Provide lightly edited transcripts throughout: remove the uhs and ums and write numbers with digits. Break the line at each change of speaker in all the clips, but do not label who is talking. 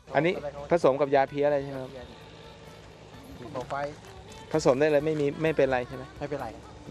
อันนี้ผสมกับยาเพี้ยอะไรใช่ไหมครับ
ต่อไป
ผสมได้เลยไม่เป็นไรใช่ไหม
ไม่เป็นไร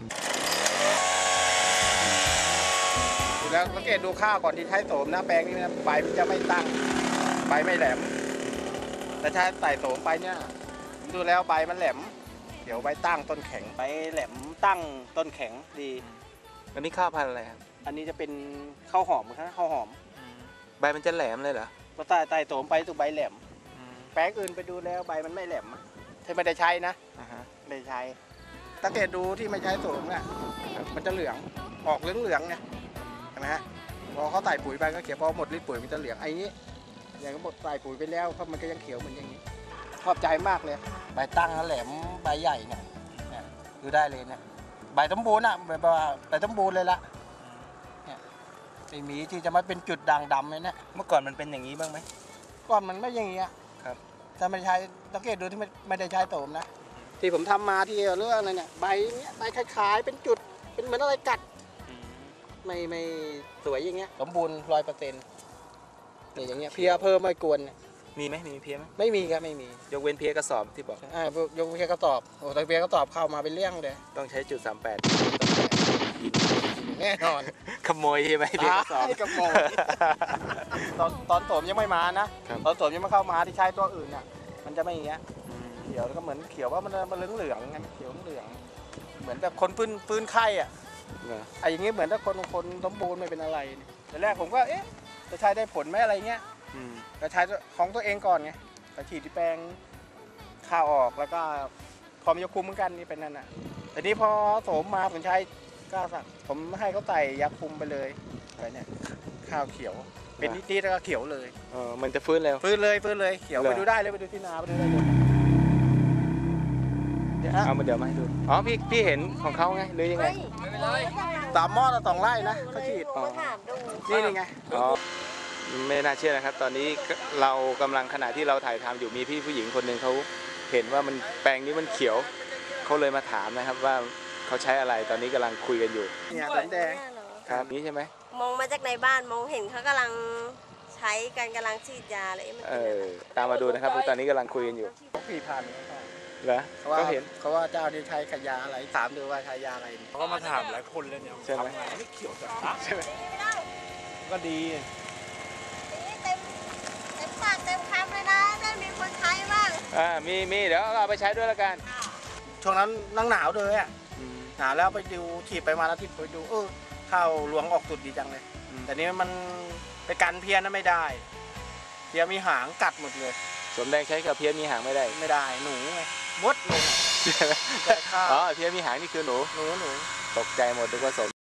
ดูแล้วสังเกตดูข้าวก่อนที่ใช้โสมนะแปลงนี้นะใบมันจะไม่ตั้งใบไม่แหลมแต่ใช้ใส่โสมไปเนี่ยดูแล้วใบมันแหลมเดี๋ยวใบตั้งต้นแข็งใบแหลมตั้งต้นแข็งดี
อันนี้ข้าวพันธุ์อะไรครับ
อันนี้จะเป็นข้าวหอมครับข้าวหอม
ใบมันจะแหลมเลยเหรอ
พอใส่โสมไปตัวใบแหลมแปลงอื่นไปดูแล้วใบมันไม่แหลมถ้าไม่ได้ใช้นะไม่ได้ใช้สังเกตดูที่ไม่ใช้โสมเนี่ยมันจะเหลืองออกเหลืองเนี่ยเห็นไหมฮะพอเขาใส่ปุ๋ยไปก็เขียวพอหมดฤทธิ์ปุ๋ยมันจะเหลืองไอ้นี้อย่างก็หมดใส่ปุ๋ยไปแล้วเพราะมันก็ยังเขียวเหมือนอย่างนี้ชอบใจมากเลยใบตั้งแหลมใบใหญ่เนี่ยดูได้เลยเนี่ยใบสมบูรณ์อ่ะแบบว่าใบสมบูรณ์เลยละเนี่ยไอ้หมีที่จะมาเป็นจุดด่างดำเลยเนี่ย
เมื่อก่อนมันเป็นอย่างนี้บ้างไหม
ก่อนมันไม่อย่างนี้
ครับ
ถ้าไม่ใช้สังเกตดูที่ไม่ได้ใช้โสมนะที่ผมทำมาที่เรื่องอะไรเนี่ยใบเนี้ยใบคล้ายๆเป็นจุดเป็นเหมือนอะไรกัดไม่สวยอย่างเงี้ยสมบูรณ์100%นี่อย่างเงี้ยเพี้ยเพิ่มไม่กวน
มีไหมมีเพี้ยไหม
ไม่มีครับไม่มี
ยกเว้นเพี้ยกระสอบที่บอก
ยกเพี้ยกระสอบโอ้แต่เพี้ยกระสอบเข้ามาเป็นเรื่องเลย
ต้องใช้จุด38
แน่นอน
ขโมยใช่ไหมเพี้ยกระสอบ
ขโมยตอนโสมยังไม่มานะตอนโสมยังไม่เข้ามาที่ใช้ตัวอื่นอ่ะมันจะไม่อย่างเงี้ยเขียวแล้วก็เหมือนเขียวว่ามันเหลืองๆไงเขียวเหลืองเหมือนแบบคนฟื้นไข้อ่ะไอ้อย่างงี้เหมือนถ้าคนสมบูรณ์ไม่เป็นอะไรแต่แรกผมก็เอ๊ะจะใช้ได้ผลไหมอะไรเงี้ยก็ใช้ของตัวเองก่อนไงแต่ฉีดที่แปลงข้าวออกแล้วก็พอมียาคุมเหมือนกันนี่เป็นนั่นน่ะแต่นี้พอโสมมาผมใช้ก็สั่งผมให้เขาใส่ยาคุมไปเลยอะไรเนี่ยข้าวเขียวเป็นนิดๆแล้วก็เขียวเลย
มันจะฟื้นเลย
ฟื้นเลยเขียวไปดูได้เลยไปดูที่นาไปดูได้เลย
เอามาเดี๋ยวมาให้ดูอ๋อพี่เห็นของเขาไงหรือยังไง
3 หม้อต่อ 2 ไร่นะเขาฉีดนี่ไง
อ๋อไม่น่าเชื่อนะครับตอนนี้เรากำลังขณะที่เราถ่ายทำอยู่มีพี่ผู้หญิงคนหนึ่งเขาเห็นว่ามันแปลงนี้มันเขียวเขาเลยมาถามนะครับว่าเขาใช้อะไรตอนนี้กำลังคุยกันอยู่
เนี่ยแดง
ครับนี้ใช่ไหม
มองมาจากในบ้านมองเห็นเขากำลังใช้กันกำลังฉีดยาเลย
ตามมาดูนะครับตอนนี้กำลังคุยกันอยู่
4,000
เหรอเขาเห็น
เขาว่าเจ้านี่ใช้ขยาอะไรถามดูว่าใช้ยาอะไร
เขาก็มาถามหลายคนเลยเนี่ย
ใช่ไหม
ไม่เขียวจัง
ใช่ไหมก็ดี
เต็มปากเต็มคำเลยนะได้มีคนใช้บ้าง
มีเดี๋ยวเอาไปใช้ด้วยละกัน
ช่วงนั้นนั่งหนาวเลยอ่ะหนาวแล้วไปดูฉีดไปมาแล้วที่ไปดูข้าวหลวงออกสุดดีจังเลยแต่นี้มันไปกันเพี้ยนไม่ได้เพี้ยมีหางกัดหมดเลย
สมแดงใช้กับเพี้ยมีหางไม่ได้
หนูไงมดหนู
อ๋อเพี้ยมีหางนี่คือหนู
ต
กใจหมดทุกผสม